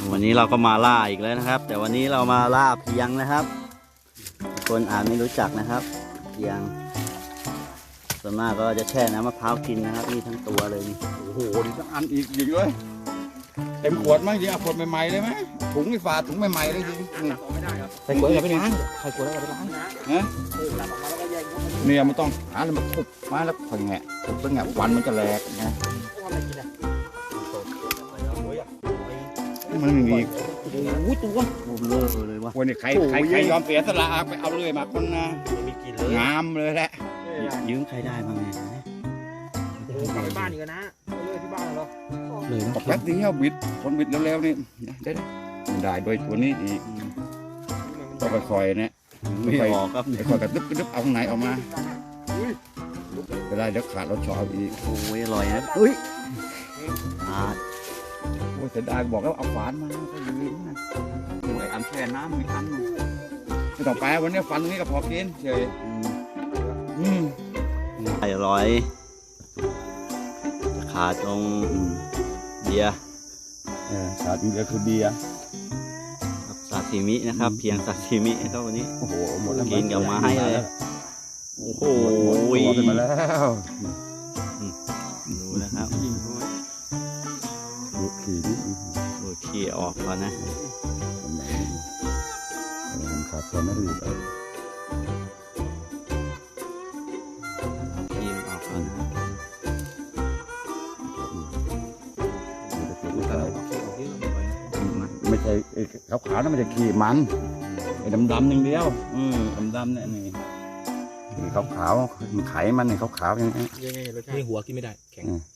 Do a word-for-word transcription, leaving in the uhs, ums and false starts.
วันนี้เราก็มาล่าอีกแล้วนะครับ แต่วันนี้เรามาล่าเพียงนะครับคนอาจไม่รู้จักนะครับเพียงส่วนมากก็จะแช่น้ำมะพร้าวกินนะครับนี่ทั้งตัวเลยนี่โอ้โหนี่ทั้งอันอีกยิงเลยเต็มขวดมั้ยยิงเอาขวดใหม่ๆเลยไหมถุงไอ้ฝาถุงใหม่ๆเลยยิงใส่ขวดอย่าไปล้างใส่ขวดแล้วอย่าไปล้างนะเนี่ยมันต้องหาแล้วมาทุบมาแล้วค่อยแงะทุบแล้วแงะวันมันจะแหลกนะมันไม่มีโอ้ตัวโอ้เบลอเลยว่ะวันนี้ใครใครใครยอมเสียสละไปเอาเลยมาคนนะงามเลยแหละยืมใครได้บ้างไงโอ้กลับไปบ้านอีกนะเลื่อยที่บ้านเหรอเลยนะบอกแป๊บเดียวบิดคนบิดเร็วๆนี่ได้ได้โดยตัวนี้อีกต้องค่อยๆนะไม่ออกครับค่อยๆกระดึบกระดึบเอาข้างในออกมาไม่ได้เดี๋ยวขาดเราชอบอีกโอ้ยอร่อยนะอุ้ยอ่าโอ้เสียดายบอกแล้วเอาฝานมาก็ยืมนะโอ้ยอันแช่น้ำมีอันนึงไม่ต้องไปวันนี้ฟันนี้ก็พอกินเฉยอืมอร่อยขาดตรงเบียร์เออขาดอีกแล้วคือเบียร์ครับซาซิมินะครับ เพียงซาซิมิครับวันนี้โอ้โหหมดแล้วกินกับไม้เลยโอ้โหหมดไปแล้วดูนะครับดูขี่ดิดูขี้ออกก่อนนะมันขาดตอนนั้นอีกขี้ออกก่อนนะไม่ใช่ขาวขาวๆนั่นไม่ใช่ขี่มันไอ้ดำดำๆอย่างเดียวอืมดำดำๆเนี่ยนี่ขาวขาวๆมันไขมันเนี่ยขาวขาวๆอย่างนี้ยังไงรสชาติหัวกินไม่ได้แข็ง